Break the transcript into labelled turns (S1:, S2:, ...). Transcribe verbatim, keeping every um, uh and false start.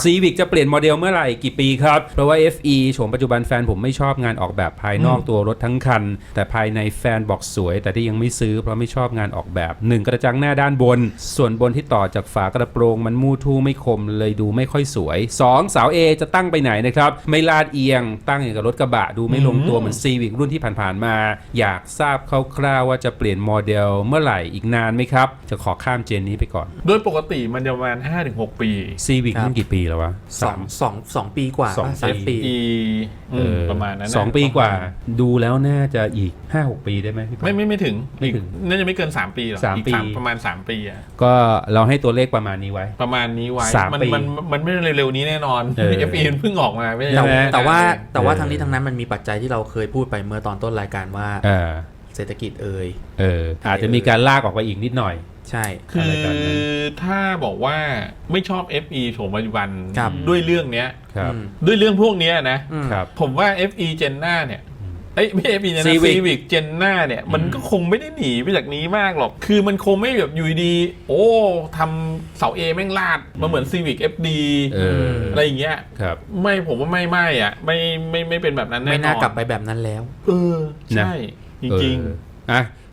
S1: Civic จะเปลี่ยนโมเดลเมื่อไหร่กี่ปีครับเพราะว่า เอฟ อี โฉมปัจจุบันแฟนผมไม่ชอบงานออกแบบภายนอกตัวรถทั้งคันแต่ภายในแฟนบอกสวยแต่ที่ยังไม่ซื้อเพราะไม่ชอบงานออกแบบหนึ่งกระจังหน้าด้านบนส่วนบนที่ต่อจากฝากระโปรงมันมู่ทู่ไม่คมเลยดูไม่ค่อยสวยสองเสา A จะตั้งไปไหนนะครับไม่ลาดเอียงตั้งอย่างกับรถกระบะดูไม่ลงตัวเหมือน Civic รุ่นที่ผ่านๆมาอยากทราบคร่าวๆว่าจะเปลี่ยนโมเดลเมื่อไหร่อีกนานไหมครับจะขอข้ามเจนนี้ไปก่อน
S2: โดยปกติมันจะประมาณ ห้าถึงหก ปี
S1: Civic รุ่นกี่ปีแล้ววะ
S3: สองสองสองปีกว่า
S1: สอง
S3: สามปี
S2: อีอืมประมาณนั้นนะ
S1: สองปีกว่าดูแล้วน่าจะอีก ห้าหก ปีได้ไหมพี่ปา
S2: ไม่ไม่ไม่ถึง
S1: ไม่ถึง
S2: อีกน่าจะไม่เกินสามปีหรอก
S1: สาม
S2: อีก
S1: ปี
S2: ประมาณสามปีอะ
S1: ก็เราให้ตัวเลขประมาณนี้ไว้
S2: ประมาณนี้ไว้
S1: สาม
S2: มัน
S1: ปี
S2: มันมันไม่เร็วๆนี้แน่นอน
S1: เออ
S2: เอฟ อี มันเพิ่งออกมาไม่ได้
S1: ใช่ไหม
S3: แต่ว่า
S2: เออ
S3: แต่ว่าทั้งนี้ทั้งนั้นมันมีปัจจัยที่เราเคยพูดไปเมื่อตอนต้นรายการว่า
S1: เออ
S3: เศรษฐกิจเอ่ย
S1: เอออาจจะมีการลากออกไปอีกนิดหน่อย
S3: ใช่
S2: คื
S1: อะไร
S2: อ
S1: แบบนั้น
S2: ถ้าบอกว่าไม่ชอบ เอฟ อี โฉมปัจจุบัน
S3: ครับ
S2: ด้วยเรื่องเนี้ย
S1: ครับ
S3: อืม
S2: ด้วยเรื่องพวกเนี้ยนะ
S3: อืม
S1: ครับ
S2: ผมว่า เอฟ อี Gen หน้าเนี่ยเอ้ยไม่ เอฟ อี นะ
S1: Civic
S2: Civic Gen หน้าเนี่ยมันก็คงไม่ได้หนีไปจากนี้มากหรอก คือมันคงไม่แบบอยู่ดีๆโอ้ทำเสา A แม่งลาดมาเหมือน Civic เอฟ ดี
S1: เออ
S2: อะไรอย่างเงี้ย
S1: ครับ
S2: ไม่ผมว่าไม่ไม่อ่ะไม่ไม่ไม่เป็นแบบนั้นแน่นอน
S3: ไม่น่ากลับไปแบบนั้นแล้ว
S2: เออใช่จริง
S1: เอออ่ะ